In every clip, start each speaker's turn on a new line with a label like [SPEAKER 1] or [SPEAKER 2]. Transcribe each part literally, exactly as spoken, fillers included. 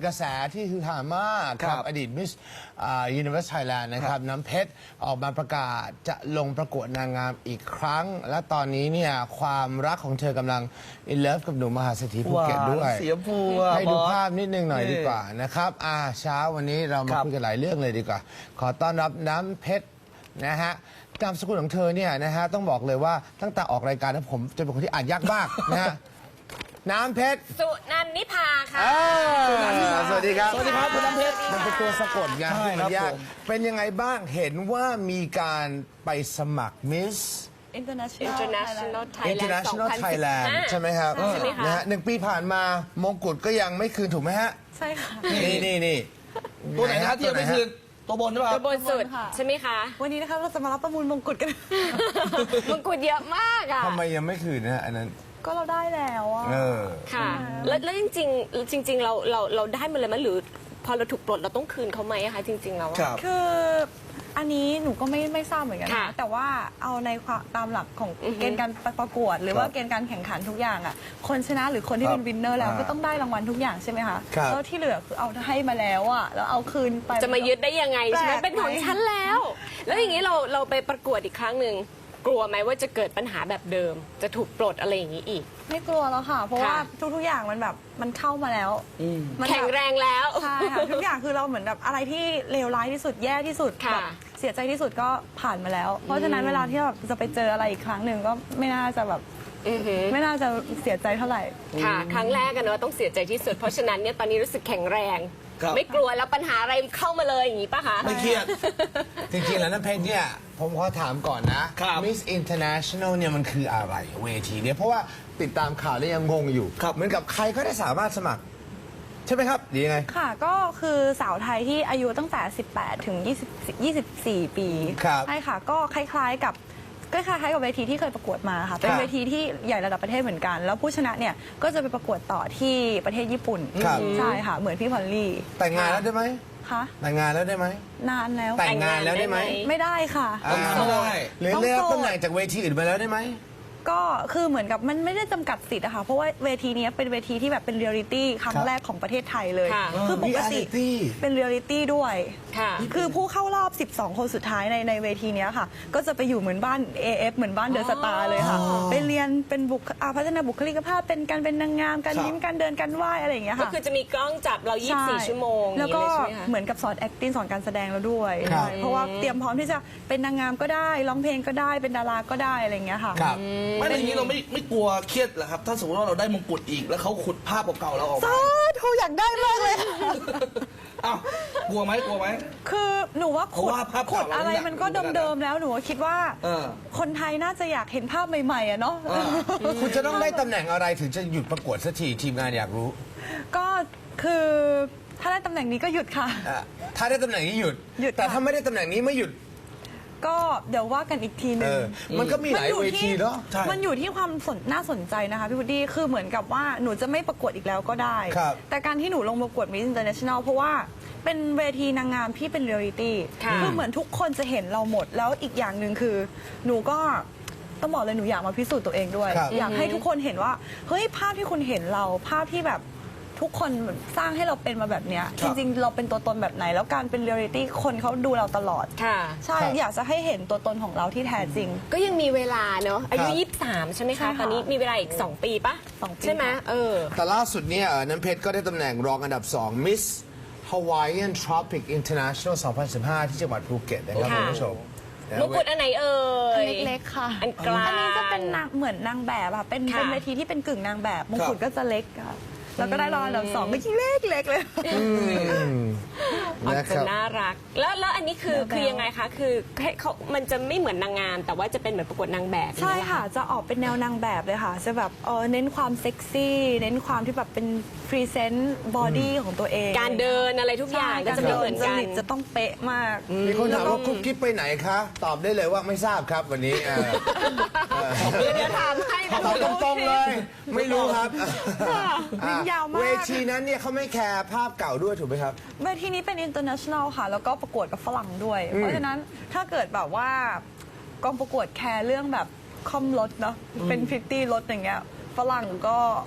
[SPEAKER 1] กระแสที่คือหามากครับอดีตมิสยูนิเวอร์สไทยแลนด์นะครับน้ำเพชรออกมาประกาศจะลงประกวดนางงามอีกครั้ง และตอนนี้เนี่ยความรักของเธอกำลังอินเลิฟกับหนุ่มมหาเศรษฐีภูเก็ตด้วย
[SPEAKER 2] เสียภูให้
[SPEAKER 1] ดูภาพนิดนึงหน่อยดีกว่านะครับอ่าเช้าวันนี้เรามาคุยกันหลายเรื่องเลยดีกว่าขอต้อนรับน้ำเพชรนะฮะนามสกุลของเธอเนี่ยนะฮะต้องบอกเลยว่าตั้งแต่ออกรายการนะผมจะเป็นคนที่อ่านยากมากนะฮะน้ำเพชร
[SPEAKER 3] สุนันนิพาค่ะ
[SPEAKER 1] สวัสดีครับ
[SPEAKER 2] สวัสดีครับคุณน้ำเพชร
[SPEAKER 1] มันเป็นตัวสะกดไงมันยากเป็นยังไงบ้างเห็นว่ามีการไปสมัครมิส
[SPEAKER 3] International
[SPEAKER 1] International Thailand ใช่ไหมครับนะฮะหนึ่งปีผ่านมามงกุฎก็ยังไม่คืนถูกไหมฮะ
[SPEAKER 3] ใช่ค่ะ
[SPEAKER 1] นี่นี่นี่
[SPEAKER 2] ตัวไหนฮะที่ยังไม่คืนตัวบนหรือเปล่า
[SPEAKER 3] ตัวบนสุดใช่ไหมคะ
[SPEAKER 4] วันนี้นะคะเราจะมารับประมูลมงกุฎกัน
[SPEAKER 3] มงกุฎเยอะมากอ่ะ
[SPEAKER 1] ทำไมยังไม่คืนนะอันนั้น
[SPEAKER 4] ก็เราได้แล้วอ่ะ
[SPEAKER 3] ค่ะแล้วแล้วจริงๆจริงๆเราเราเราได้มาเลยมั้ยหรือพอเราถูกปลดเราต้องคืนเขาไหมคะจริงๆแล้ว
[SPEAKER 4] คืออันนี้หนูก็ไม่ไม่ทราบเหมือนกันนะแต่ว่าเอาในตามหลักของเกณฑ์การประกวดหรือว่าเกณฑ์การแข่งขันทุกอย่างอ่ะคนชนะหรือคนที่เป็นวินเนอร์แล้วก็ต้องได้รางวัลทุกอย่างใช่ไหมคะแล้วที่เหลือคือเอาให้มาแล้วอ่ะแล้วเอาคืนไป
[SPEAKER 3] จะมายึดได้ยังไงใช่ไหมเป็นของฉันแล้วแล้วอย่างนี้เราเราไปประกวดอีกครั้งหนึ่งกลัวไหมว่าจะเกิดปัญหาแบบเดิมจะถูกปลดอะไรอย่างนี้อีก
[SPEAKER 4] ไม่กลัวแล้วค่ะเพราะว่าทุกๆอย่างมันแบบมันเข้ามาแล้ว
[SPEAKER 3] แข็งแรงแล้ว
[SPEAKER 4] ใช่ค่ะทุกอย่างคือเราเหมือนแบบอะไรที่เลวร้ายที่สุดแย่ที่สุดแบบเสียใจที่สุดก็ผ่านมาแล้วเพราะฉะนั้นเวลาที่แบบจะไปเจออะไรอีกครั้งหนึ่งก็ไม่น่าจะแบบไม่น่าจะเสียใจเท่าไหร่
[SPEAKER 3] ค่ะครั้งแรกกันเนอะต้องเสียใจที่สุดเพราะฉะนั้นเนี่ยตอนนี้รู้สึกแข็งแรงไม่กลัวแล้วปัญหาอะไรเข้ามาเลยอย่างนี้ป่ะคะ
[SPEAKER 1] ไม่เครียดจริงๆแล้วน้ำเพชรเนี่ยผมขอถามก่อนนะ Miss International เนี่ยมันคืออะไรเวทีเนี่ยเพราะว่าติดตามข่าวแล้วยังงงอยู่เหมือนกับใครก็ได้สามารถสมัครใช่ไหมครับดียังไง
[SPEAKER 4] ค่ะก็คือสาวไทยที่อายุตั้งแต่สิบแปดถึงยี่สิบ ยี่สิบสี่ปีใช่ค่ะก็คล้ายๆกับก็คล้ายๆกับเวทีที่เคยประกวดมาค่ะเป็นเวทีที่ใหญ่ระดับประเทศเหมือนกันแล้วผู้ชนะเนี่ยก็จะไปประกวดต่อที่ประเทศญี่ปุ่นใช่ค่ะเหมือนพี่พอลลี่
[SPEAKER 1] แต่งงานแล้วได้ไหม
[SPEAKER 4] คะ
[SPEAKER 1] แต่งงานแล้วได้ไหม
[SPEAKER 4] นานแล้ว
[SPEAKER 1] แต่งงานแล้วได้ไหม
[SPEAKER 4] ไม่ได้ค่ะ
[SPEAKER 1] ไม่ได้หรือเลือกตำแหน่งจากเวทีอื่นมาแล้วได้ไหม
[SPEAKER 4] ก็คือเหมือนกับมันไม่ได้จำกัดสิทธิ์อะค่ะเพราะว่าเวทีนี้เป็นเวทีที่แบบเป็นเรียลลิตี้ครั้งแรกของประเททศเลยคือปกติเป็นเรียลลิตี้ด้วยคือผู้เข้ารอบสิบสองคนสุดท้ายในในเวทีนี้ค่ะก็จะไปอยู่เหมือนบ้าน เอ เอฟ เหมือนบ้านเดอะสตาร์เลยค่ะไปเรียนเป็นบุคพัฒนาบุคลิกภาพเป็นการเป็นนางงามการยิ้มการเดินการไหว้อะไรอย่างเงี้ยค่ะ
[SPEAKER 3] ก็คือจะมีกล้องจับเรายี่สิบสี่ชั่วโมง
[SPEAKER 4] แล้วก็เหมือนกับสอน acting สอนการแสดงเราด้วยเพราะว่าเตรียมพร้อมที่จะเป็นนางงามก็ได้ร้องเพลงก็ได้เป็นดาราก็ได้อะไรอย่างเงี้ยค่ะ
[SPEAKER 2] ไม่อย่างนี้เราไม่ไม่กลัวเครียดเหรอครับถ้าสมมติว่าเราได้มงกุฎอีกแล้วเขาขุดภาพเก่าๆเราออกมา
[SPEAKER 4] เขาอยากได้มากเลย
[SPEAKER 2] อ้าวกลัวไหมกลัวไหม
[SPEAKER 4] คือหนูว่าขุดขุดอะไรมันก็เดิมๆแล้วหนูคิดว่าคนไทยน่าจะอยากเห็นภาพใหม่ๆอะเนาะ
[SPEAKER 1] คุณจะต้องได้ตำแหน่งอะไรถึงจะหยุดประกวดสักทีทีมงานอยากรู้
[SPEAKER 4] ก็คือถ้าได้ตำแหน่งนี้ก็หยุดค่ะ
[SPEAKER 1] ถ้าได้ตำแหน่งนี้หยุดแต่ถ้าไม่ได้ตำแหน่งนี้ไม่หยุด
[SPEAKER 4] ก็เดี๋ยวว่ากันอีกทีนึง
[SPEAKER 1] มันก็มีหลายเวทีเนาะ
[SPEAKER 4] มันอยู่ที่ความสนน่าสนใจนะคะพี่พุดดี้คือเหมือนกับว่าหนูจะไม่ประกวดอีกแล้วก็ได้แต่การที่หนูลงประกวด Miss International เพราะว่าเป็นเวทีนางงามที่เป็นเรียลลิตี้คือเหมือนทุกคนจะเห็นเราหมดแล้วอีกอย่างหนึ่งคือหนูก็ต้องบอกเลยหนูอยากมาพิสูจน์ตัวเองด้วยอยากให้ทุกคนเห็นว่าเฮ้ยภาพที่คุณเห็นเราภาพที่แบบทุกคนสร้างให้เราเป็นมาแบบนี้จริงๆเราเป็นตัวตนแบบไหนแล้วการเป็นเรียลลิตี้คนเขาดูเราตลอดใช่อยากจะให้เห็นตัวตนของเราที่แท้จริง
[SPEAKER 3] ก็ยังมีเวลาเนาะอายุยี่สิบสามใช่ไหมคะตอนนี้มีเวลาอีกสองปีปะใช่ไหมเออ
[SPEAKER 1] แต่ล่าสุดเนี่ยน้ำเพชรก็ได้ตำแหน่งรองอันดับสอง Miss Hawaiian Tropic International สองพันสิบห้าที่จังหวัดภูเก็ตนะครับคุณผู้ชม
[SPEAKER 3] มงกุฎอันไหนเอ่
[SPEAKER 4] ยเล็กๆค่ะ
[SPEAKER 3] อันกลาง
[SPEAKER 4] อันนี้จะเป็นนางเหมือนนางแบบค่ะเป็นเป็นเวทีที่เป็นกึ่งนางแบบมงกุฎก็จะเล็กค่ะแล้วก็ได้รองอันดับสองไม่คิดเล็กเล็กเลย
[SPEAKER 3] ออกจะน่ารักแล้วแล้วอันนี้คือคือยังไงคะคือเขามันจะไม่เหมือนนางงามแต่ว่าจะเป็นเหมือนประกวดนางแบบ
[SPEAKER 4] ใช่ค่ะจะออกเป็นแนวนางแบบเลยค่ะจะแบบเออเน้นความเซ็กซี่เน้นความที่แบบเป็นพรีเซนต์บอดี้ของตัวเอง
[SPEAKER 3] การเดินอะไรทุกอย่างก็จะไม่เหมือนกัน
[SPEAKER 4] จะต้องเป๊ะมาก
[SPEAKER 1] มีคนถามว่าคุกกิ๊บไปไหนคะตอบได้เลยว่าไม่ทราบครับวันนี้
[SPEAKER 3] เดี๋ยวถามให้
[SPEAKER 1] ตอบตรงๆเลยไม่รู้ครับ
[SPEAKER 4] ยาวมาก
[SPEAKER 1] เวทีนั้นเนี่ยเขาไม่แคร์ภาพเก่าด้วยถูกไหมครับ
[SPEAKER 4] เวทีนี้เป็น international ค่ะแล้วก็ประกวดกับฝรั่งด้วยเพราะฉะนั้นถ้าเกิดแบบว่ากองประกวดแคร์เรื่องแบบคอมรถเนาะเป็นฟิฟตี้รถอย่างเงี้ยฝรั่งก็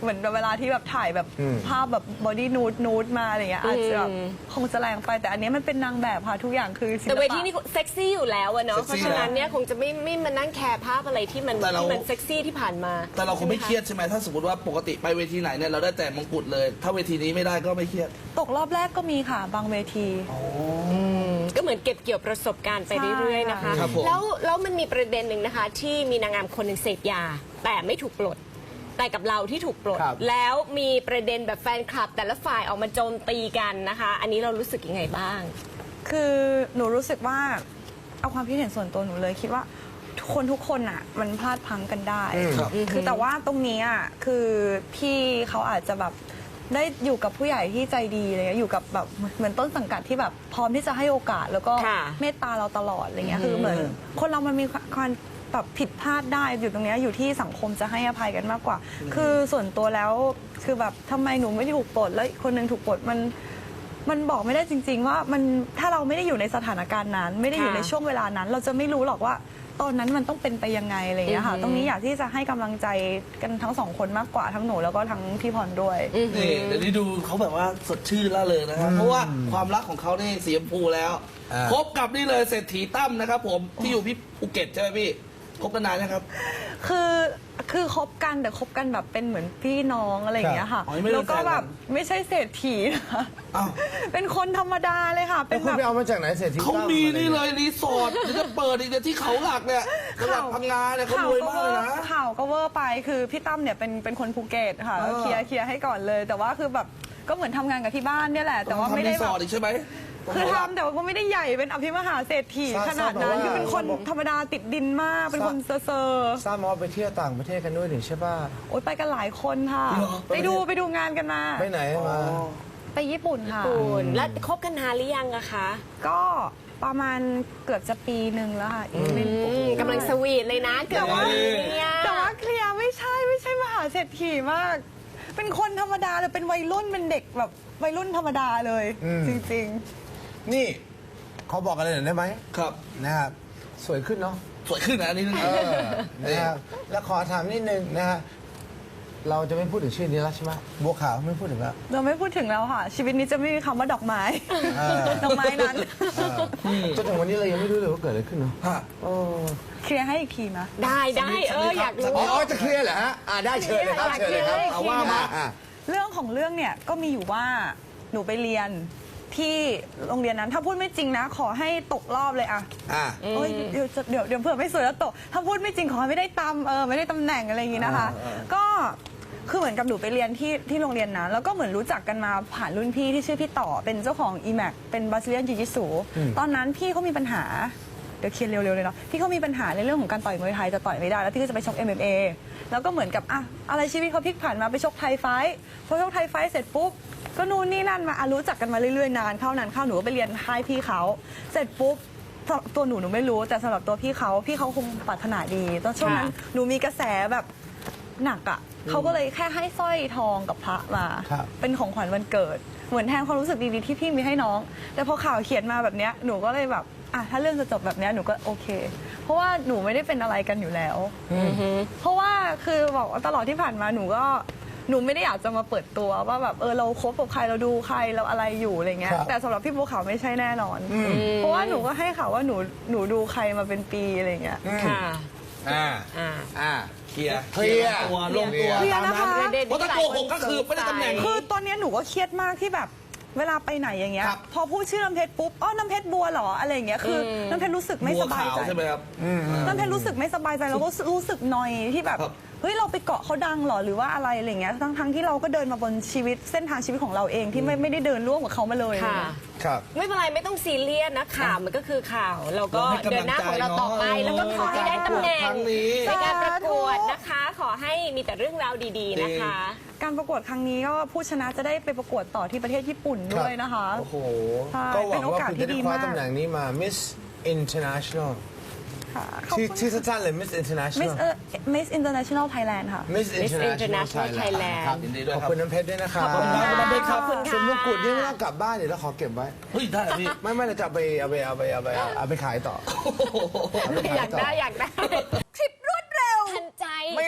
[SPEAKER 4] เหมือนเวลาที่แบบถ่ายแบบภาพแบบบอดี้นูดนูดมาอะไรเงี้ยอาจจะแบบคงจะแรงไปแต่อันนี้มันเป็นนางแบบค่ะทุกอย่างคือศิลปะ
[SPEAKER 3] แต่เวทีนี่เซ็กซี่อยู่แล้วอะเนาะ
[SPEAKER 2] เซ็ก
[SPEAKER 3] เพ
[SPEAKER 2] ซี่
[SPEAKER 3] ราะฉะนั้นเนี่ยคงจะไม่ไม่มานั่งแคร์ภาพอะไรที่มัน
[SPEAKER 2] แต่เรา
[SPEAKER 3] ที่มันเซ็กซี่ที่ผ่านมา
[SPEAKER 2] แต่เราคงไม่เครียดใช่ไหมถ้าสมมติว่าปกติไปเวทีไหนเนี่ยเราได้แต่มงกุฎเลย ถ้าเวทีนี้ไม่ได้ก็ไม่เครียด
[SPEAKER 4] ตกรอบแรกก็มีค่ะบางเวที
[SPEAKER 3] ก็เหมือนเก็บเกี่ยวประสบการณ์ไปเรื่อยๆนะคะ
[SPEAKER 2] ครับผม
[SPEAKER 3] แล้วแล้วมันมีประเด็นหนึ่งนะคะ ที่มีนางงามคนหนึ่งเสพยา แต่ไม่ถูกปลด แต่กับเราที่ถูกปลด
[SPEAKER 1] ครับ
[SPEAKER 3] แล้วมีประเด็นแบบแฟนคลับ แต่ละฝ่ายออกมาโจมตีกันนะคะ อันนี้เรารู้สึกยังไงบ้าง
[SPEAKER 4] คือหนูรู้สึกว่าเอาความคิดเห็นส่วนตัวหนูเลยคิดว่าทุกคนทุกคนอ่ะมันพลาดพลั้งกันได้
[SPEAKER 2] ครับ
[SPEAKER 4] คือแต่ว่าตรงนี้อ่ะคือพี่เขาอาจจะแบบได้อยู่กับผู้ใหญ่ที่ใจดีอะไรเงี้ยอยู่กับแบบเหมือนต้นสังกัดที่แบบพร้อมที่จะให้โอกาส แล้วก็
[SPEAKER 3] ค่ะ
[SPEAKER 4] เมตตาเราตลอดอะไรเงี้ยคือเหมือนคนเรามันมีความแบบผิดพลาดได้อยู่ตรงเนี้ยอยู่ที่สังคมจะให้อภัยกันมากกว่า คือส่วนตัวแล้วคือแบบทำไมหนูไม่ถูกปลดแล้วอีกคนนึงถูกปลดมัน มันบอกไม่ได้จริง ๆ ว่ามันถ้าเราไม่ได้อยู่ในสถานการณ์นั้น ไม่ได้อยู่
[SPEAKER 3] ค่ะ
[SPEAKER 4] ในช่วงเวลานั้น เราจะไม่รู้หรอกว่าตอนนั้นมันต้องเป็นไปยังไงอะไรอย่างเงี้ยค่ะ
[SPEAKER 3] อือหือ
[SPEAKER 4] ตรงนี้อยากที่จะให้กำลังใจกันทั้งสองคนมากกว่าทั้งหนูแล้วก็ทั้งพี่พรด้วย
[SPEAKER 2] นี่เดี๋ยวนี้ดูเขาแบบว่าสดชื่นล่าเริงนะครับเพราะว่าความรักของเขานี่สีชมพูแล้ว
[SPEAKER 1] อ่า
[SPEAKER 2] คบกับนี่เลยเศรษฐีตั้มนะครับผมที่อยู่พี่ภูเก็ตใช่ไหมพี่คบกันนานนะครับ
[SPEAKER 4] คือคือคบกันแต่คบกันแบบเป็นเหมือนพี่น้องอะไรอย่างเงี้ยค่ะ
[SPEAKER 2] อ๋อยังไม่ได้
[SPEAKER 4] แล้วก็
[SPEAKER 2] เป็นแฟนกัน
[SPEAKER 4] แบบไม่ใช่เศรษฐีนะคะ
[SPEAKER 2] อ้าว
[SPEAKER 4] เป็นคนธรรมดาเลยค่ะ
[SPEAKER 1] แล้
[SPEAKER 4] เป็
[SPEAKER 1] วน คุ
[SPEAKER 4] แบ
[SPEAKER 1] ณ
[SPEAKER 4] บ
[SPEAKER 1] ไปเอามาจากไหนเศรษฐี
[SPEAKER 2] เขา
[SPEAKER 1] ตั้
[SPEAKER 2] มี
[SPEAKER 1] อะไร
[SPEAKER 2] นี่
[SPEAKER 1] นี่
[SPEAKER 2] เลยรีสอร์ทเดี๋ยวจะเปิดอีกเดี๋ยวที่เขาหลักเนี่ยจังหวัดพังงาเนี่ยเขารวยมากเลยนะ
[SPEAKER 4] ข่าวก็เวอร์ไปคือพี่ตั้มเนี่ยเป็นเป็นคนภูเก็ตค่ะ
[SPEAKER 2] เออ
[SPEAKER 4] เคลียร์เคลียร์ให้ก่อนเลย แต่ว่าคือแบบก็เหมือนทำงานกับที่บ้านเนี่ยแหละ แต่ว่าไม่
[SPEAKER 2] ทำ
[SPEAKER 4] ได้
[SPEAKER 2] รีส
[SPEAKER 4] แบ
[SPEAKER 2] อบ ร์ทอีกใช่ไหม
[SPEAKER 4] คือทำแต่ว่าก็ไม่ได้ใหญ่เป็นอภิมหาเศรษฐีขนาดนั้นคือเป็นคนธรรมดาติดดินมากเป็นคนเซอร์เซอร์
[SPEAKER 1] ทราบมาว่าไปเที่ยวต่างประเทศกันด้วยนี่ใช่ป่ะ
[SPEAKER 4] โอ๊ยไปกันหลายคนค่ะ
[SPEAKER 2] เหรอ
[SPEAKER 4] ไปดูไปดูงานกันมา
[SPEAKER 1] ไปไหนมา
[SPEAKER 4] ไปญี่ปุ่นค่ะ
[SPEAKER 3] คุณแล้วคบกันนานหรือยังอะคะ
[SPEAKER 4] ก็ประมาณเกือบจะปีหนึ่งแล้วค่ะอีกไม่
[SPEAKER 3] อืมกำลังสวีทเลยนะเกือบว่าเนี่ย
[SPEAKER 4] แต่ว่าเคลียร์ไม่ใช่ไม่ใช่มหาเศรษฐีมาก เป็นคนธรรมดาเลยเป็นวัยรุ่นเป็นเด็กแบบวัยรุ่นธรรมดาเลย
[SPEAKER 1] อืม
[SPEAKER 4] จริง
[SPEAKER 1] นี่เขาบอกอะไรหน่อยได้ไหม
[SPEAKER 2] ครับ
[SPEAKER 1] นะครับสวยขึ้นเนาะ
[SPEAKER 2] สวยขึ้นนะอันนี้นะ
[SPEAKER 1] เออนะครับแล้วขอถามนิดนึงนะฮะเราจะไม่พูดถึงชื่อนี้แล้วใช่ไหมบัวขาวไม่พูดถึงแล้ว
[SPEAKER 4] ๆ เราไม่พูดถึงแล้วค่ะ ชีวิตนี้จะไม่มีคำว่าดอกไม้
[SPEAKER 1] เออ
[SPEAKER 4] ดอกไม้นั้น
[SPEAKER 1] เออจนถึงวันนี้เรายังไม่รู้เลยว่าเกิดอะไรขึ้นเนาะ
[SPEAKER 2] ฮะ
[SPEAKER 1] โอ้
[SPEAKER 4] เคลียร์ให้อีกทีนะ
[SPEAKER 3] ได้ได้เอออยากรู้
[SPEAKER 1] อ๋อจะเคลียร์เหรอฮะอ่าได้เชิญเลยครับ
[SPEAKER 3] อยาก
[SPEAKER 1] เชิญเลยครับ
[SPEAKER 3] เคลียร์
[SPEAKER 1] เอาว่ามาอ่ะ
[SPEAKER 4] เรื่องของเรื่องเนี่ยก็มีอยู่ว่าหนูไปเรียนที่โรงเรียนนั้น ถ้าพูดไม่จริงนะ ขอให้ตกรอบเลยอะ
[SPEAKER 1] อ่ะ
[SPEAKER 4] โอ้ยเดี๋ยวจะเดี๋ยวเดี๋ยวเผื่อไม่สวยแล้วตก ถ้าพูดไม่จริงขอให้ไม่ได้ตำเออไม่ได้ตำแหน่งอะไรอย่างงี้นะคะ ก็คือเหมือนกับหนูไปเรียนที่ที่โรงเรียนนั้นแล้วก็เหมือนรู้จักกันมาผ่านรุ่นพี่ที่ชื่อพี่ต่อเป็นเจ้าของ อี แม็ก เป็นบาซิเลียนจิจิสุตอนนั้นพี่เขามีปัญหาเดี๋ยวเคลียร์เร็วๆเลยเนาะพี่เขามีปัญหาในเรื่องของการต่อยมวยไทยจะต่อยไม่ได้แล้วพี่ก็จะไปชก เอ็ม เอ็ม เอ แล้วก็เหมือนกับอะอะไรชีวิตเขาพลิกผันมาไปชกไทยไฟท์พอชกไทยไฟท์เสร็จปุ๊บก็นู่นนี่นั่นมาอ่ะรู้จักกันมาเรื่อยๆนานเข้านานเข้าหนูก็ไปเรียนค่ายพี่เขาเสร็จปุ๊บตัวหนูหนูไม่รู้แต่สำหรับตัวพี่เขาพี่เขาคงปรารถนาดีตอนช่วงนั้นหนูมีกระแสแบบหนักอะเขาก็เลยแค่ให้สร้อยทองกับพระมา
[SPEAKER 1] ครับ
[SPEAKER 4] เป็นของขวัญวันเกิด เหมือนแทนความรู้สึกดีๆที่พี่มีให้น้อง แต่พอข่าวเขียนมาแบบเนี้ยหนูก็เลยแบบอ่ะถ้าเรื่องจะจบแบบเนี้ยหนูก็โอเค เพราะว่าหนูไม่ได้เป็นอะไรกันอยู่แล้ว เพราะว่าคือบอกว่าตลอดที่ผ่านมาหนูก็หนูไม่ได้อยากจะมาเปิดตัวว่าแบบเออเราคบกับใครเราดูใครเราอะไรอยู่อะไรเงี้ย
[SPEAKER 1] ครับ
[SPEAKER 4] แต่สำหรับพี่บัวขาวไม่ใช่แน่นอน เพราะว่าหนูก็ให้ข่าวว่าหนูหนูดูใครมาเป็นปีอะไรเงี้ย
[SPEAKER 3] ค่ะ
[SPEAKER 1] อ่า
[SPEAKER 3] อ่า
[SPEAKER 1] อ่า
[SPEAKER 2] เคลียร์
[SPEAKER 1] เคลียร์
[SPEAKER 2] ตัวลงตัว
[SPEAKER 4] เคลียร์
[SPEAKER 2] ตาม
[SPEAKER 4] นะคะ
[SPEAKER 2] นั้นเพราะถ้าโกหกก็คือไม่ได้ตำแหน่ง
[SPEAKER 4] คือตอนเนี้ยหนูก็เครียดมากที่แบบเวลาไปไหนอย่างเงี้ย
[SPEAKER 2] ครับ
[SPEAKER 4] พอพูดชื่อน้ำเพชรปุ๊บอ๋อน้ำเพชรบัวเหรออะไรอย่างเงี้ยคืออน้ำเพชรรู้สึกไม่
[SPEAKER 2] บัว
[SPEAKER 4] สบาย
[SPEAKER 2] ขาว
[SPEAKER 4] ใจ
[SPEAKER 2] ใช่ไหมครับ
[SPEAKER 4] น้ำเพชรรู้สึกไม่สบายใจแล้วก็รู้สึกนอยที่แบบ
[SPEAKER 2] ครับ
[SPEAKER 4] เฮ้ยเราไปเกาะเขาดังเหรอหรือว่าอะไรอะไรเงี้ยทั้งทั้งที่เราก็เดินมาบนชีวิตเส้นทางชีวิตของเราเองที่ไม่ไม่ได้เดินร่วมกับเขามาเลย
[SPEAKER 3] ค่ะ
[SPEAKER 1] ครับ
[SPEAKER 3] ไม่เป็นไรไม่ต้องซีเรียสนะข่าวมันก็คือข่าวเราก็
[SPEAKER 2] เราให้กำลังใจ
[SPEAKER 3] เดินหน้าของเราต่อไป
[SPEAKER 2] เนอะ
[SPEAKER 3] แล้วก็ขอให้ได้ตำแหน่ง
[SPEAKER 2] ครั้งนี้
[SPEAKER 3] ในการประกวดนะคะ ขอให้มีแต่เรื่องราวดีๆนะคะ
[SPEAKER 4] การประกวดครั้งนี้ก็ผู้ชนะจะได้ไปประกวดต่อที่ประเทศญี่ปุ่นด้วยนะคะ
[SPEAKER 1] โอ้โห
[SPEAKER 4] ใช่
[SPEAKER 1] ก็หวั
[SPEAKER 4] เป็
[SPEAKER 1] ง
[SPEAKER 4] นโอ
[SPEAKER 1] ว่า
[SPEAKER 4] กาส
[SPEAKER 1] คุณ
[SPEAKER 4] ที่
[SPEAKER 1] จะได้
[SPEAKER 4] ดี
[SPEAKER 1] คว้าม
[SPEAKER 4] าก
[SPEAKER 1] ตำแหน่งนี้มา Miss International
[SPEAKER 4] ค่ะขอบ
[SPEAKER 1] ชื่อ
[SPEAKER 4] คุณ
[SPEAKER 1] ชื่อสั้นๆเลย Miss
[SPEAKER 4] Miss
[SPEAKER 1] International
[SPEAKER 4] เอ่อ Miss International Thailand ค่ะ
[SPEAKER 1] Miss International
[SPEAKER 3] International
[SPEAKER 1] Thailand ครับ
[SPEAKER 2] ยินดีด้วย
[SPEAKER 1] ขอบ
[SPEAKER 2] ครับ
[SPEAKER 1] คุณน้ำเพชรด้วยนะครับ
[SPEAKER 2] ขอบคุณครับน้ำเพชรครับ
[SPEAKER 3] ขอบคุณค่ะ
[SPEAKER 1] ส่วนมงกุฎนี่ไม่ต้องกลับบ้านเดี๋ยวเราขอเก็บไว้
[SPEAKER 2] เฮ้ยได้เหรอพี่
[SPEAKER 1] ไม่ไม่เราจะเอาไปเอาไปเอาไปเอาไปเอาไปขายต่อเไป
[SPEAKER 3] อยากได้อยากได้
[SPEAKER 4] คลิปรวดเร็ว
[SPEAKER 3] ทันใจ
[SPEAKER 1] ไม่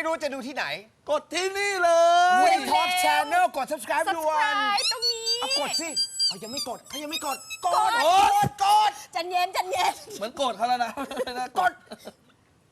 [SPEAKER 1] รู้จะดูที่ไหน
[SPEAKER 2] กดที่นี่เลย
[SPEAKER 1] Win Talk Channel กด subscribe ด่วน
[SPEAKER 3] subscribe ตรงนี้
[SPEAKER 1] เอากดสิเอายังไม่กดเขายังไม่กด กด
[SPEAKER 2] กด
[SPEAKER 1] กด
[SPEAKER 5] จันเย็นจันเย็น
[SPEAKER 2] เหมือนโกรธเขาแล้วนะ
[SPEAKER 1] กด